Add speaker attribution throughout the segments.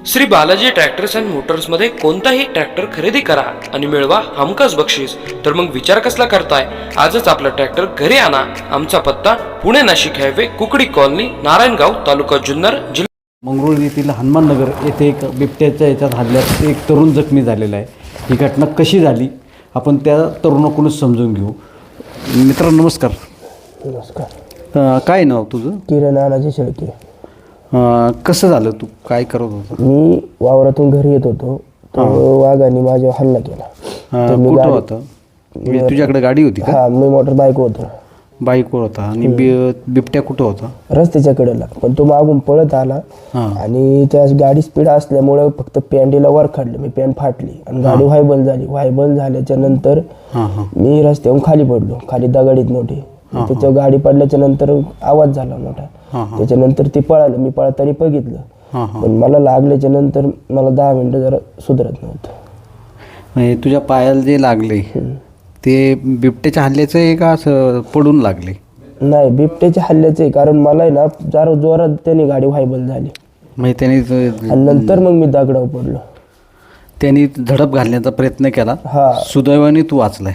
Speaker 1: Shri Balaji tractors and मोटर्समध्ये कोणताही tractor खरेदी करा आणि मिळवा हमखास बक्षीस. तर मग विचार कसला करताय? आजच आपला ट्रॅक्टर घरी आणा. आमचा पत्ता पुणे नाशिक हायवे, कुकडी कॉलनी, नारायणगाव, तालुका जुन्नर, जिल्हा
Speaker 2: मंगरुळ येथील हनुमाननगर येथे एक बिबट्याच्या याच्यात हल्ल्यात एक तरुण जखमी झालेला आहे. ही घटना कशी झाली आपण त्या तरुणाकडूनच समजून घेऊ. मित्रांनो नमस्कार.
Speaker 3: नमस्कार.
Speaker 2: काय नाव तुझं?
Speaker 3: किरण नानाजी शेळके.
Speaker 2: कसं झालं? तू काय करत होता?
Speaker 3: मी वावरातून घरी येत होतो, तर वाघाने माझ्यावर हल्ला केला. तर मी
Speaker 2: कुठं होतं? तुझ्याकडे गाडी होती का?
Speaker 3: हा, मी मोटर बाईक होतो.
Speaker 2: बाईकवर होता. आणि बिबट्या कुठं होता?
Speaker 3: रस्त्याच्या कडेला, पण तो मागून पळत आला आणि त्या गाडी स्पीड असल्यामुळे फक्त पॅन्टीला वर काढलं. मी पॅन्ट फाटली आणि गाडी व्हायबल झाली. व्हायबल झाल्याच्या नंतर मी रस्त्यावरून खाली पडलो. खाली दगडीत मोठी. त्याच्यावर गाडी पडल्याच्या नंतर आवाज झाला मोठा. त्याच्यानंतर ते पळालं. मी पळताना बघितलं, पण मला लागल्याच्या नंतर मला 10 मिनिटं जरा सुधरत नव्हतं.
Speaker 2: तुझ्या पायाला जे लागले ते बिबट्याच्या हल्ल्याचं आहे का असं पडून लागले?
Speaker 3: नाही, बिबट्याच्या हल्ल्याचं आहे. कारण मला आहे ना जरा जोरात त्याने गाडी व्हायबल झाली.
Speaker 2: म्हणजे त्याने
Speaker 3: आणि नंतर मग मी दगडावर पडलो.
Speaker 2: त्यांनी झडप घालण्याचा प्रयत्न केला. सुदैवाने तू वाचलाय.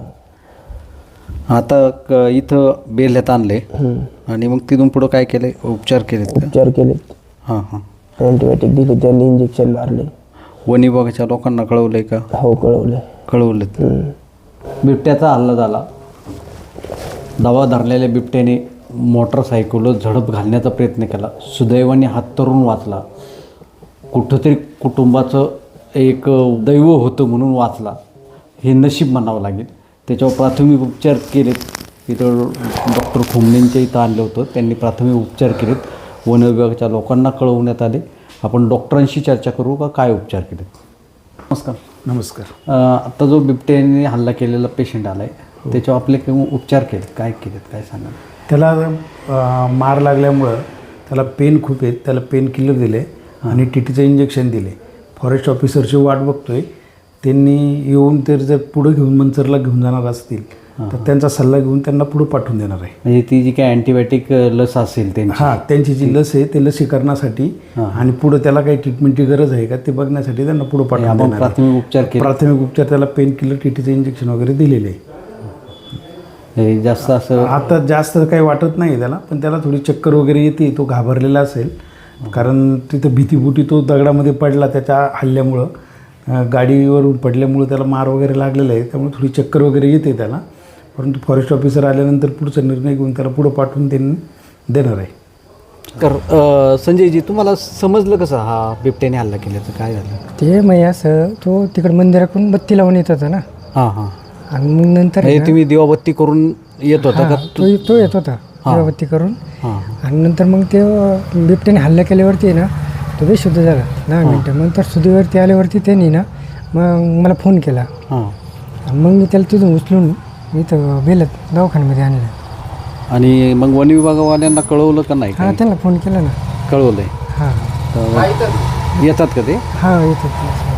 Speaker 2: आता इथं बेल्ह्यात आणले आणि मग तिथून पुढं काय केलंय? उपचार केले?
Speaker 3: उपचार केले. अँटीबायोटिक दिली, त्यांनी इंजेक्शन मारले.
Speaker 2: वन विभागाच्या लोकांना कळवलंय का?
Speaker 3: हो,
Speaker 2: कळवलं. बिबट्याचा हल्ला झाला. दवा धरलेल्या बिबट्याने मोटरसायकलवर झडप घालण्याचा प्रयत्न केला. सुदैवाने हा तरुण वाचला. कुठंतरी कुटुंबाचं एक दैव होतं म्हणून वाचला, हे नशीब म्हणावं लागेल. त्याच्यावर प्राथमिक उपचार केलेत. इथं डॉक्टर खोमणेंच्या इथं आणलं होतं. त्यांनी प्राथमिक उपचार केलेत. वन विभागाच्या लोकांना कळवण्यात आले. आपण डॉक्टरांशी चर्चा करू का काय उपचार केलेत.
Speaker 4: नमस्कार.
Speaker 2: आता जो बिबट्याने हल्ला केलेला पेशंट आला आहे त्याच्यावर आपले काही उपचार केलेत, काय केलेत, काय सांगा?
Speaker 4: त्याला मार लागल्यामुळं त्याला पेन खूप आहेत. त्याला पेन किलर दिले आणि टीटीचं इंजेक्शन दिले. फॉरेस्ट ऑफिसरची वाट बघतोय. त्यांनी येऊन जर पुढं घेऊन मंचरला घेऊन जाणार असतील तर त्यांचा सल्ला घेऊन त्यांना पुढं पाठवून देणार आहे.
Speaker 2: म्हणजे ती जी काही अँटीबायोटिक लस असेल
Speaker 4: त्यांची जी लस आहे ते लसीकरणासाठी आणि पुढं त्याला काही ट्रीटमेंटची गरज आहे का ते बघण्यासाठी त्यांना पुढं पाठवून देणार. प्राथमिक उपचार त्याला पेन किलर, टीटीचं इंजेक्शन वगैरे दिलेले आहे.
Speaker 2: जास्त असं
Speaker 4: आता जास्त काही वाटत नाही त्याला, पण त्याला थोडी चक्कर वगैरे येते. तो घाबरलेला असेल कारण तिथं भीतीबुटी तो दगडामध्ये पडला त्याच्या हल्ल्यामुळं. गाडीवरून पडल्यामुळे त्याला मार वगैरे लागलेला आहे, त्यामुळे थोडी चक्कर वगैरे येते त्याला. परंतु फॉरेस्ट ऑफिसर आल्यानंतर पुढचा निर्णय घेऊन त्याला पुढं पाठवून देणार आहे.
Speaker 2: तर संजयजी, तुम्हाला समजलं कसं हा बिबट्याने हल्ला केल्याचं? काय झालं
Speaker 5: ते मग असं तो तिकडे मंदिराकडून बत्ती लावून येत होता ना. आणि मग नंतर
Speaker 2: तुम्ही दिवाबत्ती करून येत होता का?
Speaker 5: तो येत होता दिवाबत्ती करून. आणि नंतर मग ते बिबट्याने हल्ला केल्यावरती ना तो बेशुद्ध झाला 10 मिनटं. मग तर सुधीवरती आल्यावरती त्यांनी ना मग मला फोन केला. मग मी त्याला तिथून उचलून इथं बेलत दवाखान्यामध्ये आणलं.
Speaker 2: आणि मग वन विभागवाल्यांना कळवलं का नाही?
Speaker 5: त्यांना फोन केला ना.
Speaker 2: कळवलंय. येतात का ते?
Speaker 5: येतात.